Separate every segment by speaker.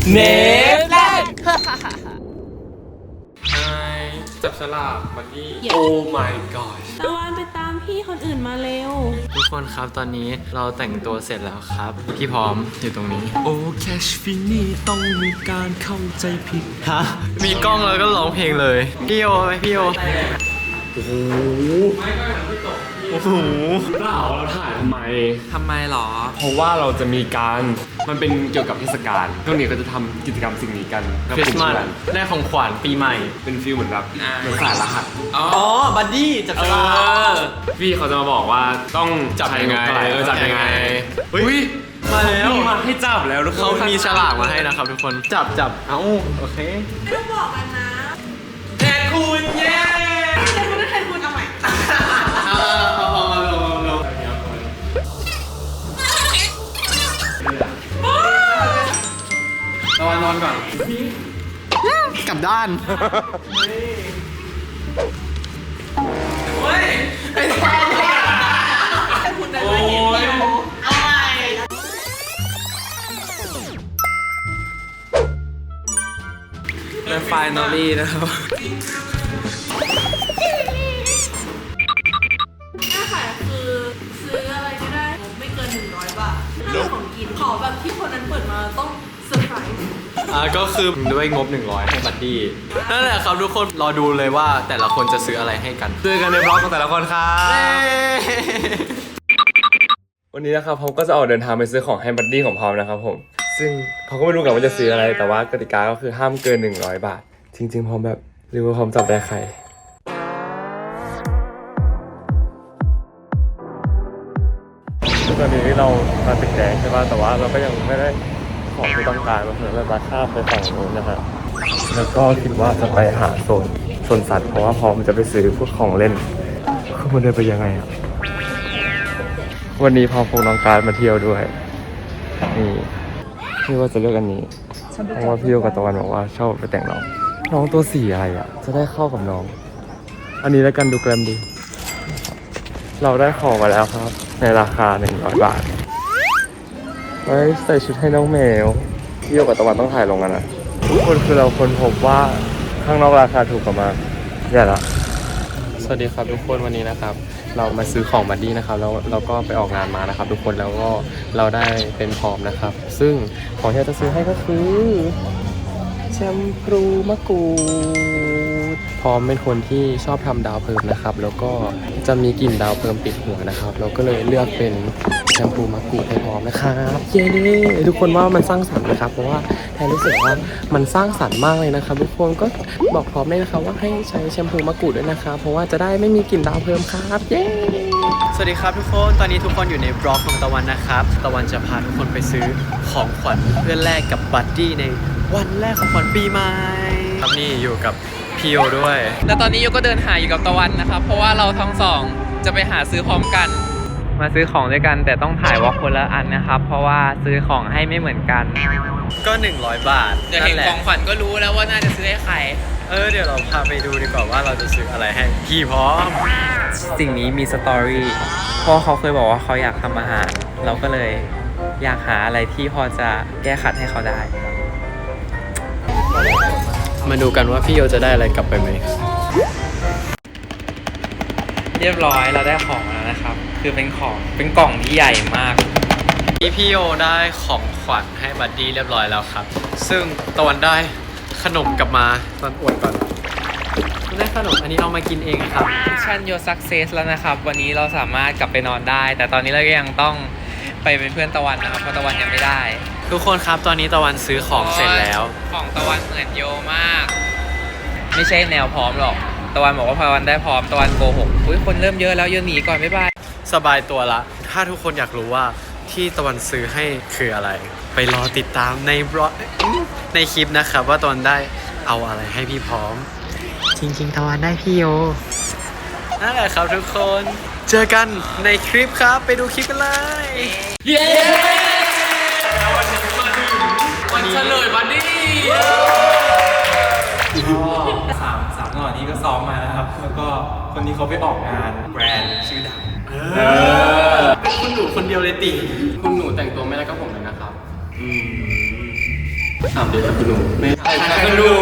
Speaker 1: เนฟแลนด์
Speaker 2: จับฉลากบัดดี้โอ้ my god
Speaker 3: ตะวันไปตามพี่คนอื่นมาเร็ว
Speaker 1: ทุกคนครับตอนนี้เราแต่งตัวเสร็จแล้วครับ พี่พร้อมอยู่ตรงนี้
Speaker 2: โอ้แคชฟินี่ต้องมีการเข้าใจผิด
Speaker 1: ฮะมีกล้องแล้วก็ร้องเพลงเลยพี่โอไหมพี่โอ
Speaker 2: โอ้โหโอ้โหเปล่าเราถ่ายทำไม
Speaker 1: ทำไมหรอ
Speaker 2: เพราะว่าเราจะมีการมันเป็นเกี่ยวกับเทศกาลช่วงนี้ก็จะทำกิจกรรมสิ่งนี้กัน
Speaker 1: คริสต์มาสได้ของขวัญปีใหม่
Speaker 2: เป็นฟิลเหมือนแบบเหมือนสายรหัส
Speaker 1: อ๋อบัดดี้จับฉลาก
Speaker 2: พี่เขาจะมาบอกว่าต้อง
Speaker 1: จับยังไง
Speaker 2: จับยังไง
Speaker 1: อุ้ยมาแล้ว
Speaker 2: มีมาให้จับแล้วทุกคน
Speaker 1: เขามีฉลากมาให้นะครับทุกคนจับเอ้าโอเค
Speaker 3: ไม่ต้องบอกกันนะ
Speaker 1: แทนคุณเย้
Speaker 3: แทนคุณก็แทนคุณเอาใหม่
Speaker 1: ตะวันนอนก่อนกลับด้านและไฟนอลลี่นะครับ
Speaker 3: หน้าขายคือซื้ออะไรก็ได้ไม่เกิน100 บาทถ้าของกินขอแบบที่คนนั้นเปิดมาต้องเซอร์ไพรส์
Speaker 1: ก็คือด้วยงบ100ให้บัดดี้นั่นแหละครับทุกคนรอดูเลยว่าแต่ละคนจะซื้ออะไรให้กัน
Speaker 2: เจอกันในบล็อกของแต่ละคนครับวันนี้นะครับผมก็จะออกเดินทางไปซื้อของให้บัดดี้ของพร้อมนะครับผมซึ่งเขาก็ไม่รู้กันว่าจะซื้ออะไรแต่ว่ากติกาก็คือห้ามเกิน100 บาทจริงๆพร้อมแบบหรือว่าพร้อมจับได้ใครตอนนี้เรามาตึกแดงใช่ป่ะแต่ว่าเราก็ยังไม่ได้ของที่ต้องการมาเผื่อเราจะข้ามไปฝั่งนู้นนะฮะแล้วก็คิดว่าจะไปหาโซนสัตว์เพราะว่าพร้อมจะไปซื้อพวกของเล่นคือมันเดินไปยังไงอ่ะวันนี้พอพกน้องการมาเที่ยวด้วยนี่พี่ว่าจะเลือกอันนี้เพราะว่าพี่โยกับตะวันบอกว่าชอบไปแต่งน้องตัวสีอะไรอ่ะจะได้เข้ากับน้องอันนี้แล้วกันดูแกรมดีเราได้ของมาแล้วครับในราคา100 บาทไว้ใส่ชุดให้น้องแมวพี่โยกับตะวันต้องถ่ายลงกันนะทุกคนคือเราค้นพบว่าข้างนอกราคาถูกกว่ามาใหญ่ละสวัสดีครับทุกคนวันนี้นะครับเรามาซื้อของบัดดี้นะครับแล้วเราก็ไปออกงานมานะครับทุกคนแล้วก็เราได้เป็นพร้อมนะครับซึ่งของที่เราจะซื้อให้ก็คือแชมพูมะกรูดพร้อมเป็นคนที่ชอบทำดาวเพิ่มนะครับแล้วก็จะมีกลิ่นดาวเพิ่มติดหัวนะครับเราก็เลยเลือกเป็นแชมพูมะกรูดให้พร้อมนะครับเย้ทุกคนว่ามันสร้างสรรค์นะครับเพราะว่าแทนรู้สึกว่ามันสร้างสรรค์มากเลยนะครับทุกคนก็บอกพร้อมเลยนะครับว่าให้ใช้แชมพูมะกรูดด้วยนะครับเพราะว่าจะได้ไม่มีกลิ่นดาวเพิ่มครับเย้สวัสดีครับทุกคนตอนนี้ทุกคนอยู่ในบล็อกของตะวันนะครับตะวันจะพาทุกคนไปซื้อของขวัญเพื่อแลกกับบัดดี้ในวันแรกของขวัญปีใหม่ครับนี่อยู่กับพี่โอด้วย
Speaker 4: แล้วตอนนี้โยก็เดินหาอยู่กับตะวันนะครับ เพราะว่าเราทั้งสองจะไปหาซื้อพร้อมกัน มาซื้อของด้วยกันแต่ต้องถ่ายวอล์กคนละอันนะครับ เพราะว่าซื้อของให้ไม่เหมือนกัน
Speaker 1: ก็100 บาท
Speaker 4: จะเห็นของขวัญก็รู้แล้วว่าน่าจะซื้อให้ใคร
Speaker 1: เดี๋ยวเราพาไปดูดีกว่าว่าเราจะซื้ออะไรให้พี่พร้อม
Speaker 4: สิ่งนี้มีสตอรี่เพราะเขาเคยบอกว่าเขาอยากทำอาหาร เราก็เลยอยากหาอะไรที่พอจะแก้ขัดให้เขาได้
Speaker 1: มาดูกันว่าพี่โยจะได้อะไรกลับไปไหม
Speaker 4: เรียบร้อยเราได้ของแล้วนะครับ คือเป็นกล่องที่ใหญ่มาก
Speaker 1: พี่โยได้ของขวัญให้บัดดี้เรียบร้อยแล้วครับซึ่งตะวันได้ขนมกลับมาตอนอวดก่อนได้ขนมอันนี้เอามากินเองครับ
Speaker 4: มิชชั่นโยซักเซสแล้วนะครับ วันนี้เราสามารถกลับไปนอนได้ แต่ตอนนี้เราก็ยังต้องไปเป็นเพื่อนตะวันนะครับเพราะตะวันยังไม่ได้
Speaker 1: ทุกคนครับตอนนี้ตะวันซื้อของเสร็จแล้ว
Speaker 4: ของตะวันเหมือนโยมาก ไม่ใช่แนวพร้อมหรอกตะวันบอกว่าพอวันได้พร้อมตะวันโกหกอุ้ยคนเริ่มเยอะแล้วโยหนีก่อนบ๊ายบาย
Speaker 1: สบายตัวละถ้าทุกคนอยากรู้ว่าที่ตะวันซื้อให้คืออะไร ไปรอติดตามในบล็อกในคลิปนะครับว่าตะวันได้เอาอะไรให้พี่พร้อม จริงๆตะวันได้พี่โยนั่นแหละครับทุกคนเจอกันในคลิปครับไปดูคลิปกันเลยเย้วันเฉลยบัดดี้สามหน่อนี้ก็ซ้อมมานะครับแล้วก็คนนี้เขาไปออกงานแบรนด์ชื่อดังเป็นคุณหนูคนเดียวเลยติคุณหนูแต่งตัวไม่ได้ก็ผมเลยนะครับเดี๋ยวคุณหนูไม่
Speaker 5: คุณหนู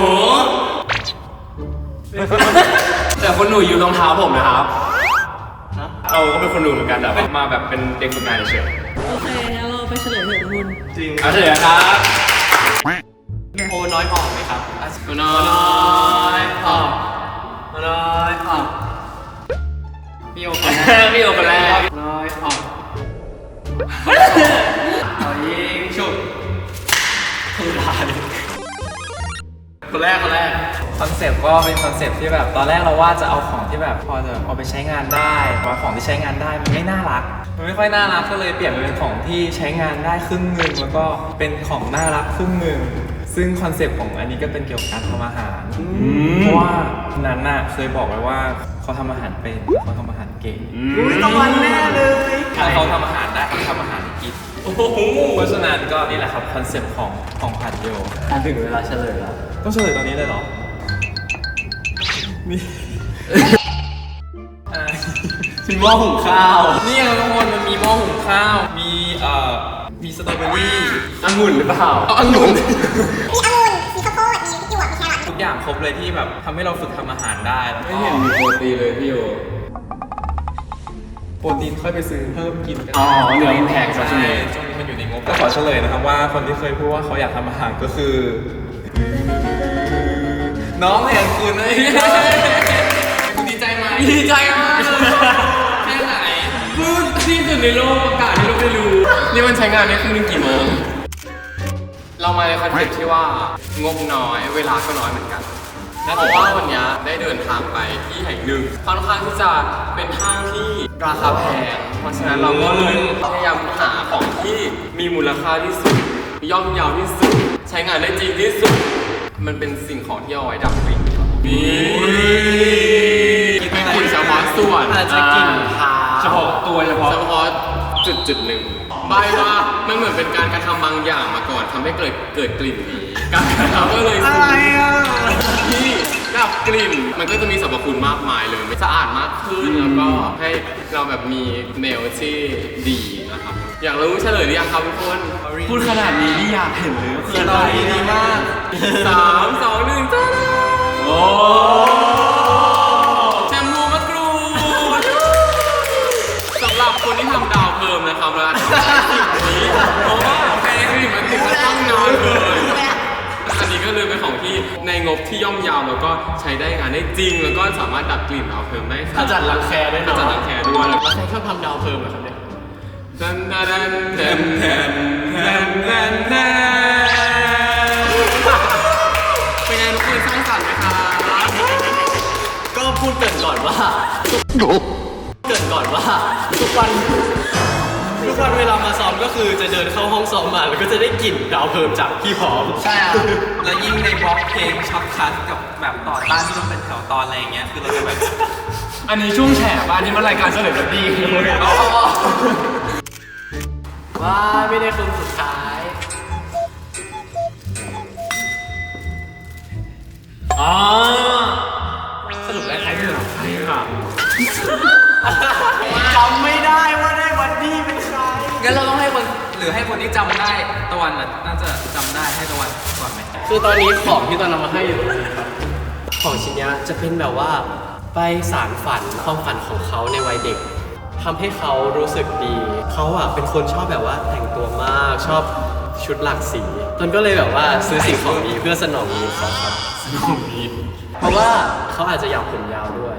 Speaker 5: แต่คุณหนูอยู่รองเท้าผมนะครับเราก็เป็นคนหนูเหมือนกันแต่ว่ามาแบบเป็นเด็กฝึกงานเฉย
Speaker 3: โอเคงั้นเราไปเฉลยเถอะคุณ
Speaker 5: จริงเอาเถอะครับโอน้อยออกไหมครับโอน้อยออกโอน้อยออกพี่โอคนแรกพี่โอคนแรกน้อยออกเอายิงชุบคนแรก
Speaker 4: คอนเซปต์ก็เป็นคอนเซปต์ที่แบบตอนแรกเราว่าจะเอาของที่แบบพอจะเอาไปใช้งานได้ว่าของที่ใช้งานได้มันไม่น่ารักมันไม่ค่อยน่ารักก็เลยเปลี่ยนมาเป็นของที่ใช้งานได้ครึ่งหนึ่งแล้วก็เป็นของน่ารักครึ่งหนึ่งซึ่งคอนเซปต์ของอันนี้ก็เป็นเกี่ยวกับการทำอาหารเพราะว่านั้นน่ะเคยบอกไว้ว่าเขาทำอาหารเป็นเขาทำอาหารเก่ง
Speaker 3: ตะวันแน่เลย
Speaker 4: ถ้าเขาทำอาหารได้เขาทำอาหารกินเพราะฉะนั้นก็นี่แหละครับคอนเซปต์ของผัดโย
Speaker 1: ถึงเวลาเฉลยแล้ว
Speaker 4: ต้องเฉลยตอนนี้เลยเหรอ นี่
Speaker 1: มีหม้อหุงข้าว
Speaker 4: นี่ไงทุกคนมันมีหม้อหุงข้าว มีสตรอเบอรี่
Speaker 1: องุ่นหรือเปล่า
Speaker 4: องุ่น
Speaker 6: มีองุ่นมีข้าวโพดมีพริกหยวกมีแครอท
Speaker 4: ทุกอย่างครบเลยที่แบบทำให้เราฝึกทำอาหารได้แล้วก็
Speaker 5: ไม่เห็นมีโปรตีนเลยพี่โอ
Speaker 4: โปรตีนค่อยไปซื้อเพิ่มกินกัน
Speaker 5: อ๋อเดี๋ยวมันแพงซะใช่
Speaker 4: ใช่
Speaker 5: ไหม
Speaker 4: ช่วงนี้มันอยู่ในงบก็ขอเฉลยนะครับว่าคนที่เคยพูดว่าเขาอยากทำอาหารก็คือ น้องแทนคุณเลยคุณดีใจไหม
Speaker 5: ดีใจมากแค่ไหนพูดที่สุดในโลกอากาศที่เราไม่รู้นี่มันใช้งานได้ครึ่งนึงกี่โมงเรามาในคอนเซ็ปต์ที่ว่างบน้อยเวลาก็น้อยเหมือนกันเพราะว่าวันนี้ได้เดินทางไปที่แห่งหนึ่งค่อนข้างที่จะเป็นห้างที่ราคาแพงเพราะฉะนั้นเราก็เลยพยายามหาของที่มีมูลค่าที่สุดย่อมเยาวที่สุดใช้งานได้จริงที่สุดมันเป็นสิ่งของที่เอาไว้ดับกลิ่นมีกลิ่นเฉพาะส่วน
Speaker 1: อาจจะกลิ่นเท้า
Speaker 5: เฉพาะตัวเฉพาะจุดหนึ่งใบว่ามันเหมือนเป็นการกระทำบางอย่างมาก่อนทำให้เกิดกลิ่นนี้การกระทำก็เลยอะไรที่ดับกลิ่นมันก็จะมีสรรพคุณมากมายเลยสะอาดมากขึ้นแล้วก็ให้เราแบบมีเมลที่ดีนะครับอยากรู้เฉลยหรือยังครับทุกคน
Speaker 1: พูดขนาดนี้นี่อยากเห็นเลยคืออะไรดีมาก
Speaker 5: 3 2 1จ้าโอ้แชมพูมะกรูดสำหรับคนที่ทำดาวเพิ่มนะครับแล้วสิ่งนี้เพราะว่าแพงมันติดมาตั้งนานเลยอันนี้ก็เลยเป็นของที่ในงบที่ย่อมเยาวแล้วก็ใช้ได้งานได้จริงแล้วก็สามารถดับกลิ่นดาวเพิ่มได้
Speaker 1: ขจัดรังแคได้
Speaker 5: ข
Speaker 1: เนาะ
Speaker 5: จัดรังแคด้วยแล้ว
Speaker 1: ใครชอบทำดาวเพิ่มเหรอครับเนี่ย
Speaker 5: แทนแทนแทนแทนแทนแทนแทนเป็นไงทุกคนสร้างสรรค์ไหมครับ
Speaker 1: ก็พูดเกรินก่อนว่าทุกวันเวลามาซ้อมก็คือจะเดินเข้าห้องซ้อมมาแล้วก็จะได้กลิ่นดาวเพิ่มจากพี่พร้อม
Speaker 4: ใช่ครับแล้วยิ่งในบล็อกเพลงช็อตคัทกับแบบต่อต้านที่ต้องเป็นแถวตอนอะไรอย่างเงี้ยคือเราจะแบบ
Speaker 5: อันนี้ช่วงแฉบ้านนี่มันรายการเฉลยแบบดี
Speaker 1: ว่าไม่ได้คนสุดท้ายอ๋อสรุปได้ใครเป็นใครค่ะจำไม่ได้ว่าได้วันนี้เป็นใคร
Speaker 4: งั้นเราต้องให้คนหรือให้คนที่จำได้ตะวันน่าจะจำได้ให้ตะวันก่อนไหม
Speaker 1: คือตอนนี้ของที่ตอนนำมาให้อยู่นะครับของชิ้นนี้จะเป็นแบบว่าไปสารฝันความฝันของเขาในวัยเด็กทำให้เขารู้สึกดีเขาอ่ะเป็นคนชอบแบบว่าแต่งตัวมากชอบชุดหลากสีตนก็เลยแบบว่าซื้อสิ่งของนี้เพื่อสนองนี้เขาครับสนองนี้เพราะว่าเขาอาจจะอยากผมยาวด้วย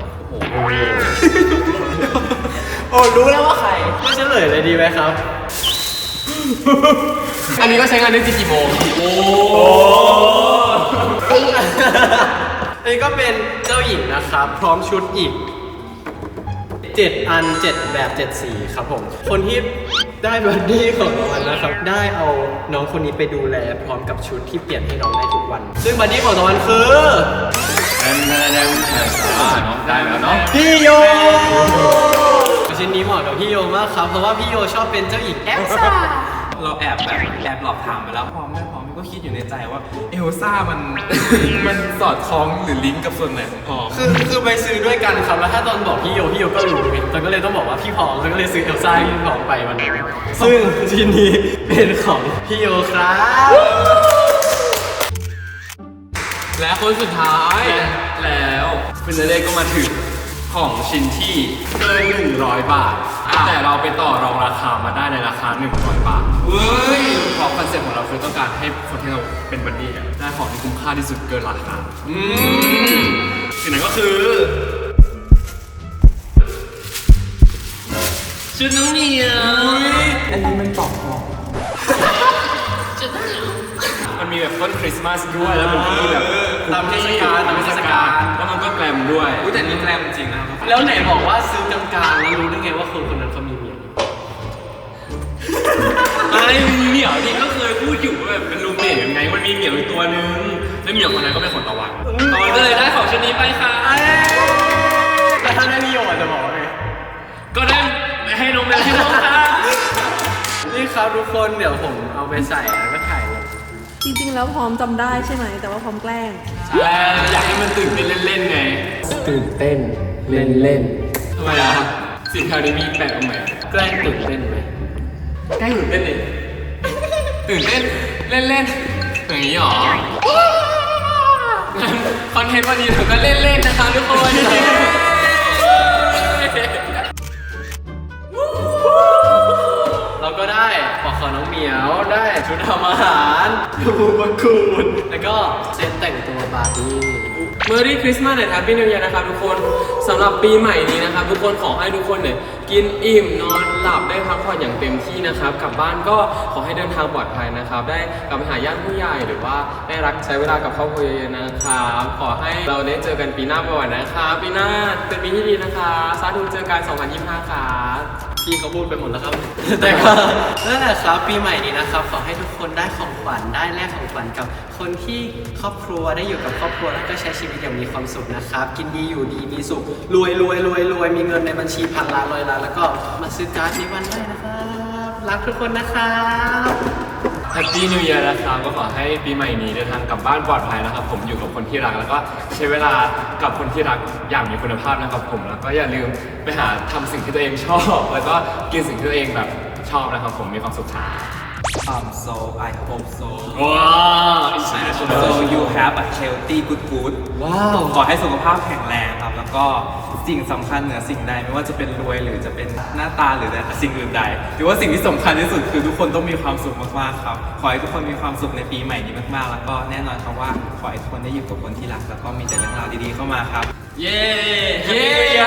Speaker 1: โอ้รู้แล้วว่าใครไม่เฉลยเลยดีไหมครับ
Speaker 5: อันนี้ก็ใช้งานได้จริงกี่โมง
Speaker 1: อันนี้ก็เป็นเจ้าหญิงนะครับ พร้อมชุดอีก 7 อัน 7 แบบ 7 สีครับผม คนที่ได้บัดดี้ของตะวันนะครับ ได้เอาน้องคนนี้ไปดูแลพร้อมกับชุดที่เปลี่ยนให้น้องได้ทุกวัน ซึ่งบัดดี้ของตะวันคือ
Speaker 5: ได้แล้วเนาะ
Speaker 1: พี่โยชิ้นนี้เหมาะกับพี่โยมากครับ เพราะว่าพี่โยชอบเป็นเจ้าหญิงแอลซ่า
Speaker 4: เราแอบหลอกถามไปแล้วพร้อมไม่พร้อมก็คิดอยู่ในใจว่าเอลซ่ามัน มันสอดคล้องหรือลิงก์กับส่วนไหนของพร้อม
Speaker 1: คือไปซื้อด้วยกันครับ แล้วถ้าตอนบอกพี่โยก็รู้ไงตอนก็เลยต้องบอกว่าพี่พร้อมตอนก็เลยซื้อเอลซ่าให้พี่พร้อมไปวันนั้นซึ่งชิ้นนี้เป็นของพี่โยครับ
Speaker 5: และคนสุดท้ายแล้วฟินาเล่ก็มาถึงของชิ้นที่เกิน100 บาท แต่เราไปต่อรองราคามาได้ในราคา100 บาทเว้ยเพราะคอนเซ็ปต์ของเราคือต้องการให้คนที่เราเป็นบัดดี้อะได้ของที่คุ้มค่าที่สุดเกินราคาสิ่งนั้นก็คือชุดน้องเหมียวอันนี้มันตอบพอมันมีแบบต้นคริสต์มาสด้วยแล้วมันมีแบบตามเทศกาลแล้วมันก็แกลมด้วยแต่นี่แกลมจริงนะแล้วไหนบอกว่าซื้อกลางๆแล้วรู้ได้ไงว่าคนคนนั้นเขามีเมียไอ้เหมียวนี่ก็เคยพูดอยู่ว่าแบบเป็นรูมเมทยังไงมันมีเหมียวอีกตัวนึงแล้วเหมียวคนนั้นก็เป็นคนตะวันก็เลยได้ของชิ้นนี้ไปค่ะแล้วถ้าได้นิยมจะบอกว่าไงก็ได้ให้น้องแมวที่น้องค่ะ
Speaker 1: นี่ครับทุกคนเดี๋ยวผมเอาไปใส่แล้วก็ถ่ายลง
Speaker 3: จริงๆแล้วพร้อมจำได้ใช่ไหมแต่ว่าพร้อมแกล้ง
Speaker 5: อยากให้มันตื่นเต้นเล่นๆไง
Speaker 1: ตื่นเต้นเล่นเล่น
Speaker 5: ทำไมอ่ะสิ่งแถวนี้มีแปลกตรงไหน
Speaker 1: แกล้งตื่นเต้นไหม
Speaker 5: ใกล้ตื่นเต้นดิตื่นเต้นเล่นๆอย่างนี้หรอคอนเทนต์วันนี้ผมก็เล่นๆนะคะทุกคน
Speaker 1: เราก็ได้ปอกคอน้องเหมียวได้ชุดทำอาหารดูบังคูนแล้วก็เซตแต่งตัวบาร์บี้
Speaker 5: เมอรี่คริสต์มาสและแฮปปี้นิวเยียร์นะครับทุกคนสำหรับปีใหม่นี้นะครับทุกคนขอให้ทุกคนเนี่ยกินอิ่มนอนหลับได้พักผ่อนอย่างเต็มที่นะครับกลับบ้านก็ขอให้เดินทางปลอดภัยนะครับได้กลับไปหาญาติผู้ใหญ่หรือว่าได้รักใช้เวลากับครอบครัวเยอะๆนะครับขอให้เราได้เจอกันปีหน้าบ่อยๆนะครับปีหน้าเป็นปีที่ดีนะครับสาธุเจอกัน2025ครับพี่เขาพูดไปหมดแล้วครับ
Speaker 1: แต่ก็นั่นแหละครับปีใหม่นี้นะครับขอให้ทุกคนได้ของขวัญได้แลกของขวัญกับคนที่ครอบครัวได้อยู่กับครอบครัวแล้วก็ใช้ชีวิตอย่างมีความสุขนะครับกินดีอยู่ดีมีสุขรวยมีเงินในบัญชีพันล้านร้อยล้านแล้วก็มาซื้อการ์ดในวันได้นะครับรักทุกคนนะครับ
Speaker 5: แฮปปี้นิวเยียร์นะครับก็ขอให้ปีใหม่นี้เดินทางกลับบ้านปลอดภัยนะครับผมอยู่กับคนที่รักแล้วก็ใช้เวลากับคนที่รักอย่างมีคุณภาพนะครับผมแล้วก็อย่าลืมไปหาทำสิ่งที่ตัวเองชอบแล้วก็กินสิ่งที่ตัวเองแบบชอบนะครับผมมีความสุขครับ
Speaker 7: So I hope so.
Speaker 5: ว้าว international
Speaker 7: So you have a healthy good ว้าวขอให้สุขภาพแข็งแรงครับ แล้วก็สิ่งสำคัญเหนือสิ่งใดไม่ว่าจะเป็นรวยหรือจะเป็นหน้าตาหรือสิ่งอื่นใดหรือว่าสิ่งที่สำคัญที่สุดคือทุกคนต้องมีความสุขมากๆครับขอให้ทุกคนมีความสุขในปีใหม่นี้มากๆแล้วก็แน่นอนครับว่าขอให้ทุกคนได้อยู่กับคนที่รักแล้วก็มีแต่เรื่องราวดีๆเข้ามาครับ
Speaker 5: เย้เย้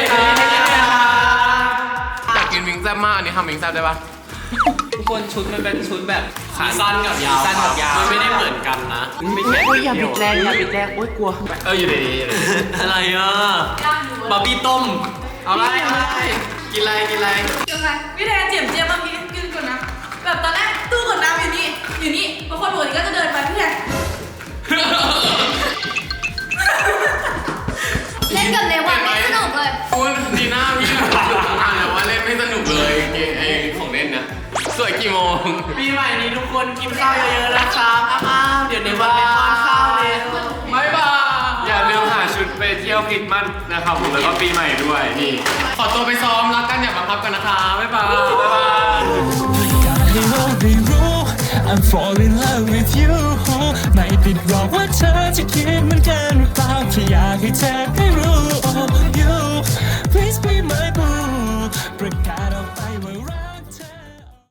Speaker 5: อยากกินวิงแซ่บมากอันนี้ทำวิงแซ่บได้ปะ
Speaker 7: ทุกคนชุดมันเป็นชุดแบบ
Speaker 1: ขาสั้นกับยาว
Speaker 7: สั้นกับยาว
Speaker 1: มันไม่ได้เหมือนกันนะไม่ใช่
Speaker 7: อย่าบิดแรงโอ๊ยกลัว
Speaker 5: อยู่ดี
Speaker 1: อะไรอ่ะบาร์บี้ต้มเอาไรกินอะไร
Speaker 3: ยังไงพี่แทนเจียมเมื่อกี้กินก่อนนะแบบตอนแรกตู้กดน้ำอยู่นี่บางคนปกติก็จะเดินไปพี่แทน
Speaker 6: เล่นกับเลวะไม่สนุกเลย
Speaker 5: พูดดีหน้าพี่อ่านแล้วว่าเล่นไม่สนุกเลยเกมของเล่นนะสวยกี่โมง
Speaker 1: ปีใหม่นี้ทุกคนกินข้าวเยอะๆนะครับอ้าวเดี๋ยวในวันเป็นวันข้าวเลย
Speaker 5: บ๊ายบายอย่าลืมหาชุดไปเที่ยวคริสต์มาสนะครับผมแล้วก็ปีใหม่ด้วยนี่ ขอตัวไปซ้อมรักกันอย่าบังคับกันนะคะบ๊ายบาย
Speaker 8: I'm fall in love with you ไม่ผิดหรอกว่าเธอจะคิดเหมือนกันหรือเปล่าแค่อยากให้เธอได้รู้